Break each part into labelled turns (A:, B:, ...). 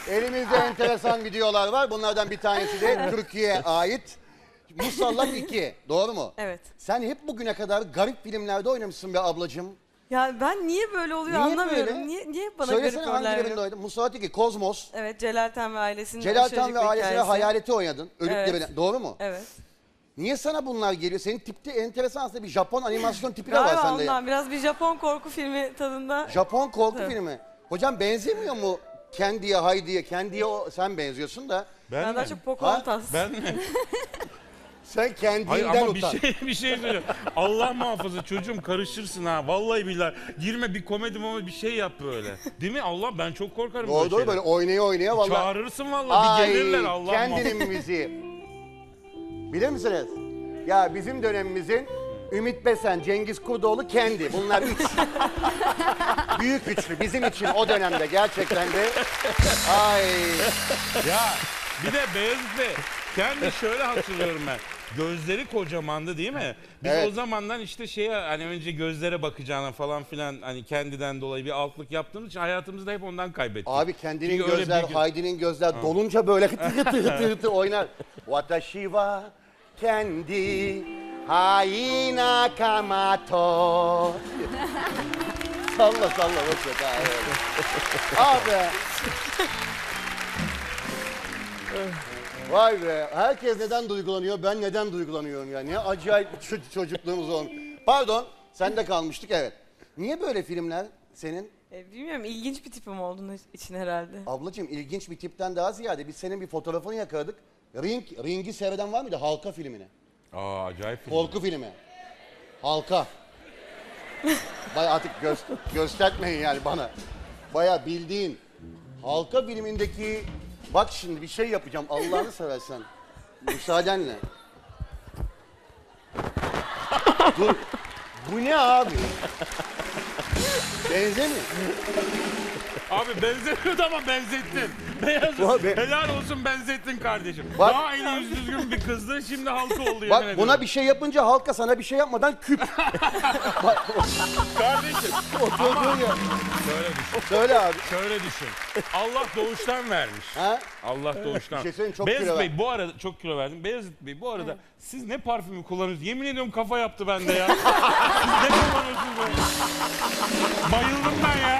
A: Elimizde enteresan videolar var. Bunlardan bir tanesi de Türkiye'ye ait. Musallat 2. Doğru mu?
B: Evet.
A: Sen hep bugüne kadar garip filmlerde oynamışsın be ablacığım.
B: Ya ben niye böyle oluyor
A: Niye
B: anlamıyorum.
A: böyle?
B: Niye bana
A: Söylesene
B: garip roller
A: hangilerinde
B: veriyor?
A: oynadın? Musallat 2, Kozmos.
B: Evet, Celal Tan ve ailesinin
A: Celal Tan
B: aşırıcık
A: ve
B: bir
A: ailesine
B: hikayesi.
A: Hayalet'i oynadın. Ölüp
B: Evet.
A: Dirilen. Doğru mu?
B: Evet.
A: Niye sana bunlar geliyor? Senin tipte enteresan aslında bir Japon animasyon tipi de var
B: Galiba
A: sende.
B: ondan biraz bir Japon korku filmi tadında.
A: Japon korku
B: Tabii.
A: filmi. Hocam benzemiyor mu Candy'ye, Heidi'ye? Candy'ye sen benziyorsun da.
B: Ben daha çok Pocahontas.
C: Ben mi?
A: Sen
C: Hayır
A: kendinden
C: ama
A: utan.
C: bir şey söyleyeyim. Allah muhafaza çocuğum karışırsın ha. Vallahi billahi. Girme bir komedi bir şey yap böyle. Değil mi? Allah ben çok korkarım
A: Doğru doğru böyle oynaya oynaya vallahi.
C: Çağırırsın vallahi bir gelirler Allah muhafaza.
A: Kendinin müziği. Bilir misiniz? Ya bizim dönemimizin Ümit Besen, Cengiz Kurdoğlu, Kendi. Bunlar üç. Büyük üçlü bizim için o dönemde gerçekten de. Ay.
C: Ya bir de Beyazıt Bey kendi şöyle hatırlıyorum ben. Gözleri kocamandı değil mi? Biz
A: Evet.
C: o zamandan işte şeye hani önce gözlere bakacağına falan filan hani kendiden dolayı bir altlık yaptığımız için hayatımızda hep ondan kaybettik.
A: Abi Kendi'nin
C: Çünkü öyle
A: gözler,
C: bir-
A: Heidi'nin gözler dolunca böyle hıtı hıtı hıtı hıtı oynar. Watashi wa Kendi Haina Kamato. Salla salla boş ver. Ha, evet. Abi. Vay be. Herkes neden duygulanıyor? Ben neden duygulanıyorum ya? Ne acayip bir çocukluğumuz olmuş. Pardon. Sende kalmıştık evet. Niye böyle filmler senin?
B: Bilmiyorum, ilginç bir tipim olduğunu için herhalde.
A: Ablacığım ilginç bir tipten daha ziyade biz senin bir fotoğrafını yakaladık. Ring'i seyreden var mıydı? Halka filmini.
C: Aa acayip film.
A: Korku filmi. Halka. Baya artık göstermeyin yani bana. Baya bildiğin. Halka filmindeki... Bak şimdi bir şey yapacağım Allah'ını seversen. Müsaadenle. Dur. Bu ne abi? Benzemiyor.
C: Abi benzemiyordu ama benzettin. Beyazıt helal olsun benzettin kardeşim.
A: Bak-
C: Daha eli yüz düzgün bir kızdı şimdi halka oldu yemin
A: Bak
C: ediyorum.
A: buna bir şey yapınca halka sana bir şey yapmadan küp.
C: Kardeşim
A: Oturduğun yer.
C: şöyle düşün.
A: Söyle abi.
C: Şöyle düşün. Allah doğuştan vermiş.
A: Ha?
C: Allah doğuştan.
A: Bir şey söyleyeyim, çok
C: Beyazıt
A: kilo
C: Bey
A: ver.
C: bu arada çok kilo verdim. Beyazıt Bey bu arada siz ne parfümü kullanıyorsunuz? Yemin ediyorum kafa yaptı bende ya. Siz ne kullanıyorsunuz böyle? Bayıldım ben ya.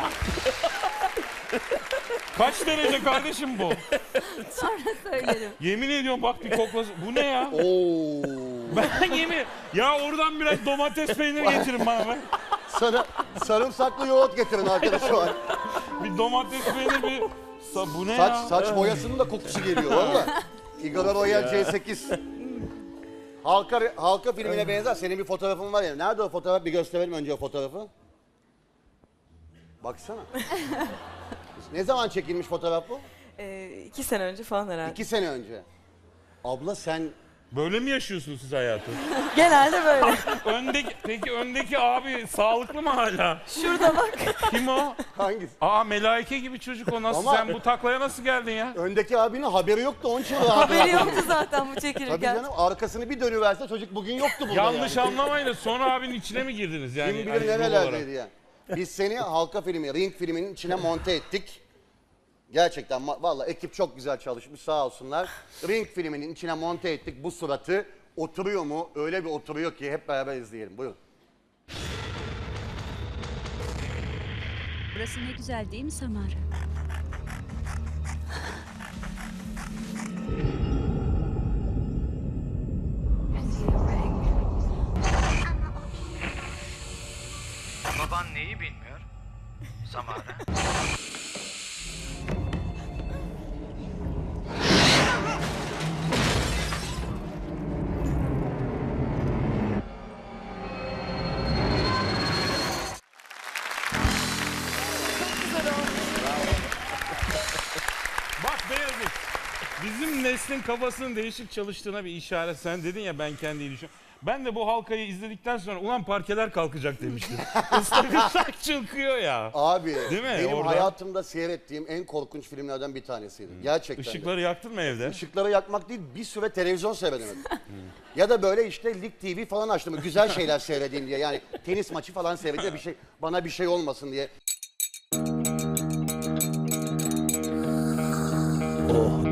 C: Kaç derece kardeşim bu?
D: Sonra söylerim.
C: Yemin ediyorum bak bir koklasın. Bu ne ya?
A: Oo.
C: Ben yemin... Ya oradan biraz domates peyniri getirin bana be.
A: Sana sarımsaklı yoğurt getirin arkadaş şu an.
C: Bir domates peyniri bir... Bu ne
A: Saç,
C: ya?
A: saç boyasının da kokusu geliyor valla. Igor Royal C8. Halka filmine benzer. Senin bir fotoğrafın var ya. Nerede o fotoğraf? Bir gösterelim önce o fotoğrafı. Baksana. Ne zaman çekilmiş fotoğraf bu?
B: 2 sene önce falan herhalde.
A: 2 sene önce. Abla sen...
C: Böyle mi yaşıyorsunuz siz hayatı?
B: Genelde böyle.
C: Peki öndeki abi sağlıklı mı hala?
B: Şurada bak.
C: Kim o?
A: Hangisi?
C: Aa melaike gibi çocuk o nasıl?
A: Ama-
C: Sen bu taklaya nasıl geldin ya?
A: Öndeki abinin haberi yoktu onun için rahat
B: Haberi
A: rahat.
B: yoktu zaten bu
A: Tabii
B: çekilirken.
A: canım arkasını bir dönüverse çocuk bugün yoktu burada
C: Yanlış
A: yani.
C: anlamayın da sonra abinin içine mi girdiniz yani?
A: Kim
C: hani
A: bilir
C: rol
A: nerelerdeydi
C: olarak?
A: ya. Biz seni halka filmi, Ring filminin içine monte ettik. Gerçekten vallahi ekip çok güzel çalışmış sağ olsunlar. Ring filminin içine monte ettik bu suratı. Oturuyor mu? Öyle bir oturuyor ki hep beraber izleyelim. Buyurun.
D: Burası ne güzel değil mi Samara?
E: Baban neyi bilmiyor? Samara.
C: Bak Beyazıt, bizim neslin kafasının değişik çalıştığına bir işaret. Sen dedin ya ben kendi düşünüyorum. Ben de bu halkayı izledikten sonra ulan parkeler kalkacak demiştim. Islak ıslak çıkıyor ya.
A: Abi
C: Değil mi?
A: benim
C: Orada-
A: hayatımda seyrettiğim en korkunç filmlerden bir tanesiydi. Gerçekten. de.
C: Işıkları yaktın mı evde?
A: Işıkları yakmak değil bir süre televizyon seyredemedim. Ya da böyle işte Lig TV falan açtım. Güzel şeyler seyredeyim diye. Yani tenis maçı falan seyredeyim bir şey bana bir şey olmasın diye. Oh.